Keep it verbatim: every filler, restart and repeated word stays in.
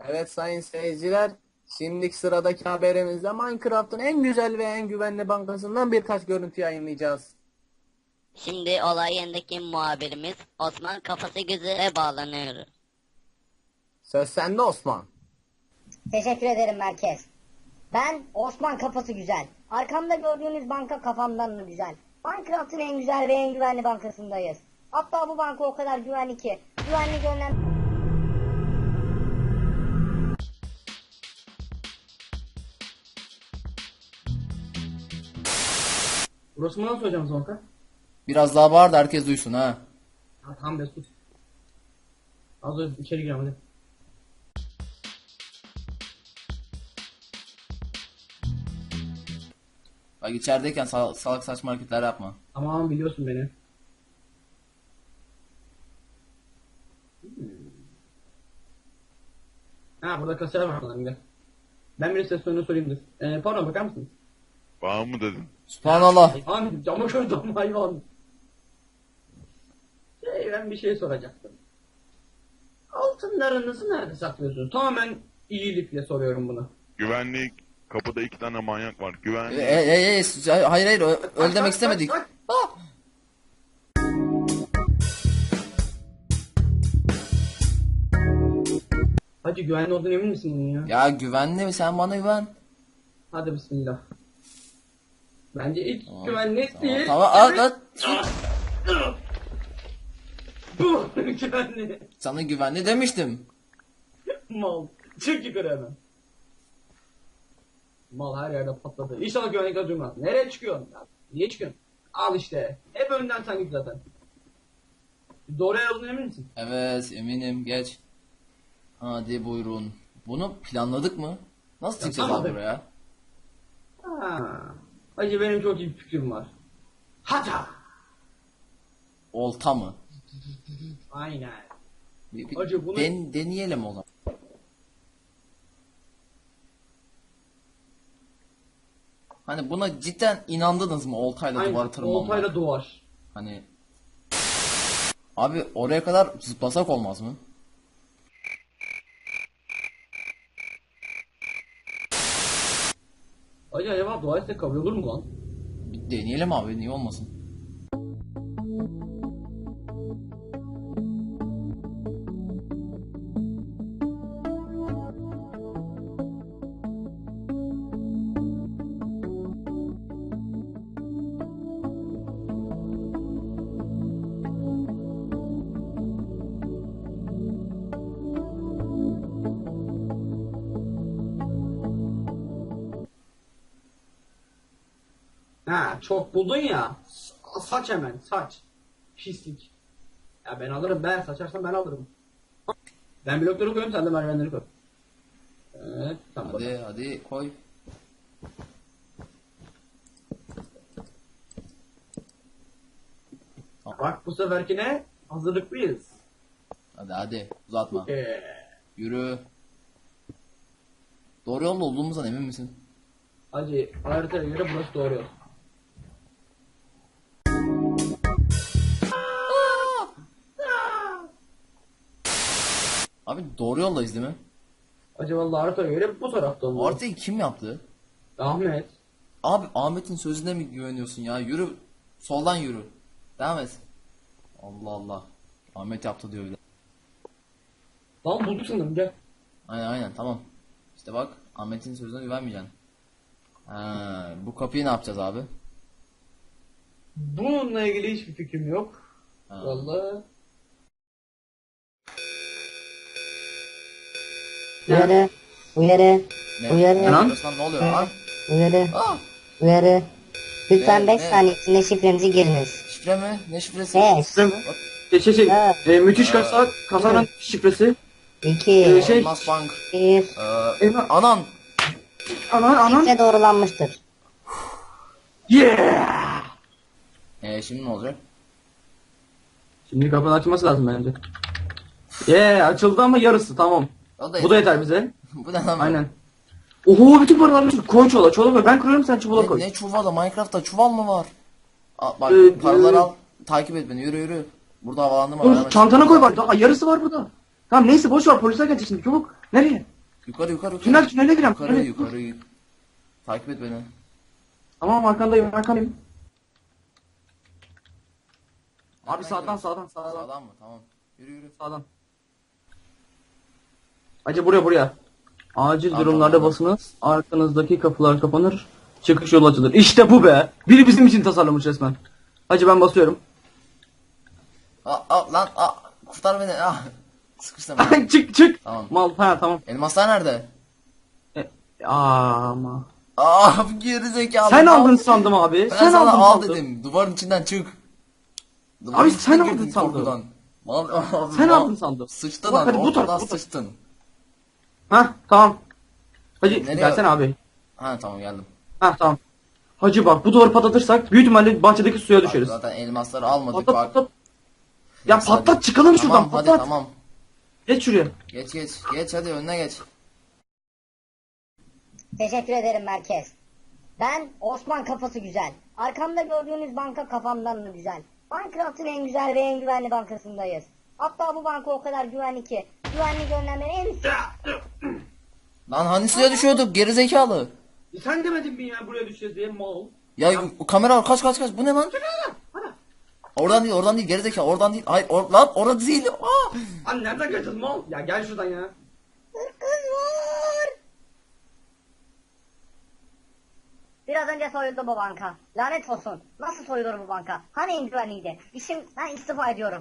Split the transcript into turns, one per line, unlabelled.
Evet sayın seyirciler, şimdiki sıradaki haberimizde Minecraft'ın en güzel ve en güvenli bankasından birkaç görüntü yayınlayacağız.
Şimdi olay yerindeki muhabirimiz Osman kafası güzele bağlanıyor.
Söz sende Osman.
Teşekkür ederim merkez. Ben Osman kafası güzel. Arkamda gördüğünüz banka kafamdan mı güzel? Minecraft'ın en güzel ve en güvenli bankasındayız. Hatta bu banka o kadar güvenli ki güvenli görünen...
Burası mı nasıl hocam Zonka?
Biraz daha bağır da herkes duysun ha.
Ha tamam be sus. Az önce içeri girelim hadi.
Bak içerideyken sal- salak saçma hareketler yapma.
Tamam biliyorsun beni. Hmm. Ha burada kasiyer var falan gel. Ben bir ses sonunu sorayım dur. Ee, pardon bakar mısınız?
Bana mı dedin?
Subhanallah.
Hayvan cama koydum hayvan. Şey ben bir şey soracaktım. Altınlarınızı nerede saklıyorsunuz? Tamamen iyilikle soruyorum bunu.
Güvenlik. Kapıda iki tane manyak var. Güvenlik.
E, e, e, e, hayır hayır ö- öyle demek istemedik.
Bak,
Ah!
Hacı güvenli olduğunu emin misin bunun ya?
Ya güvenli mi, sen bana güven.
Hadi bismillah. Bence hiç
Tamam,
güvenli
Tamam,
değil.
tamam at at.
Bu güvenli.
Sana güvenli demiştim.
Mal. Çık yukarı hemen. Mal her yerde patladı. İnşallah güvenlikler duymaz. Nereye çıkıyorsun? Ya, niye çıkıyorsun? Al işte. Hep önden sen git zaten. Doğru yolun emin misin?
Evet eminim, geç. Hadi buyurun. Bunu planladık mı? Nasıl çıkacağız
tamam.
abi buraya?
Ha. Hacı benim çok iyi bir fikrim var. Haca.
Olta mı?
Aynen.
Bir, bir
Hacı bunu-
den- deneyelim o zaman. Hani buna cidden inandınız mı, oltayla duvarı
Aynen.
tırmanma?
Oltayla duvar.
Hani abi oraya kadar zıplasak olmaz mı?
Hacı acaba dua etsek kabul olur mu lan?
Bir deneyelim abi, niye olmasın?
Ha çok buldun ya. Sa- Saç hemen saç. Pislik. Ya ben alırım ben saçarsan ben alırım. Ben blokları koyuyorum sen de merdivenleri koy. Evet tamam.
Hadi hadi koy.
Bak bu seferkine hazırlıklıyız.
Hadi hadi uzatma.
Ee,
Yürü. Doğru yolda olduğumuzdan emin misin?
Hacı haritaya göre burası doğru yol.
Abi doğru yoldayız değil mi?
Hacı vallahi haritaya göre bu tarafta
Bu
olmalı.
haritayı kim yaptı?
Ahmet.
Abi Ahmet'in sözüne mi güveniyorsun ya? Yürü. Soldan yürü. Devam et. Allah Allah. Ahmet yaptı diyor bir de.
Lan bulduk sanırım gel.
Aynen aynen tamam. İşte bak Ahmet'in sözüne güvenmeyeceksin. Ha, bu kapıyı ne yapacağız abi?
Bununla ilgili hiçbir fikrim yok.
Ha.
Vallahi.
Uyarı, uyarı,
Ne?
Uyarı.
Ne yapıyorsun lan? Ne oluyor lan?
uyarı,
Ah!
uyarı. Lütfen
Ne,
beş
ne?
saniye içinde şifremizi giriniz.
Şifre mi? Ne şifresi?
beş,
Şey şey şey.
Ha.
E, müthiş kasa kasanın şifresi.
iki,
Ee, şey-
Elmas Bank.
bir.
Ee,
Elmas-
anan.
Anan anan.
Şifre doğrulanmıştır.
Yeah.
Ee, şimdi ne olacak?
Şimdi kapının açılması lazım bence. Yeah açıldı ama yarısı tamam.
O da
Bu da yeter bize.
Bu ne lan?
Aynen. Oho bütün paralarını çık. Koy çuvala. Çuvala koy. Ben kırıyorum sen çuvala
Ne,
koy.
ne çuvalı? Minecraft'ta çuval mı var? Aa, bak
Ee,
paraları
e-
al. Takip et beni. Yürü yürü. Burada havalandırma var.
Oğlum
hemen
çantana
çık.
koy bak. Daha yarısı var burada. Tamam neyse boş ver polisler gelecek şimdi çabuk. Nereye?
Yukarı yukarı yukarı.
Tünel tünele girelim.
Yukarı
Tünele.
yukarı. Takip et beni.
Tamam arkandayım arkandayım. Abi sağdan sağdan sağdan.
Sağdan mı? Tamam. Yürü yürü.
Sağdan. Hacı buraya buraya. Acil
Tamam,
durumlarda
tamam.
basınız. Arkanızdaki kapılar kapanır. Çıkış yolu açılır. İşte bu be. Biri bizim için tasarlamış resmen. Hacı ben basıyorum.
Aa, aa, lan aa, kurtar beni. Ah. Sıkıştım. ben.
çık çık.
Tamam.
Mal ha tamam.
Elmaslar nerede?
E, ama.
Aa geri zekalı.
Sen
Al.
aldın sandım abi.
Ben
sen
sana
aldın
al
sandım.
dedim. Duvarın içinden çık. Duvarın
Abi
içine
sen
girdin
aldın sandım.
korkudan. Mal, abi,
Sen
mal.
aldın sandım.
Sıçtın
Bak
abi.
hadi bu taraf,
Ortadan
bu taraf.
sıçtın.
Ha tamam. Hacı
Nereye-
gelsene abi.
Ha tamam geldim.
Ha tamam. Hacı bak bu duvarı patlatırsak büyük ihtimalle bahçedeki suya
Bak,
düşeriz.
zaten elmasları almadık
Patlat
bak.
patlat. Ya
Neyse,
patlat
hadi.
çıkalım
Tamam,
şuradan
hadi
patlat.
tamam.
Geç şuraya.
Geç geç. Geç hadi önüne geç.
Teşekkür ederim merkez. Ben Osman kafası güzel. Arkamda gördüğünüz banka kafamdan da güzel. Minecraft'ın en güzel ve en güvenli bankasındayız. Hatta bu banka o kadar güvenli ki güvenlik önlemleri en üst.
Lan hani suya düşüyorduk geri zekalı.
E sen demedin mi ya buraya düşeceğiz diye mal.
Ya o kamera var kaç kaç kaç bu ne lan? Oradan değil oradan değil geri zekalı oradan değil. Hayır or, lan orada değil. Aa!
Lan nereden geleceğiz mal? Ya gel şuradan ya.
Kız var. Biraz önce soyuldu bu banka. Lanet olsun. Nasıl soyulur bu banka? Hani en güvenliydi? İşim ben istifa ediyorum.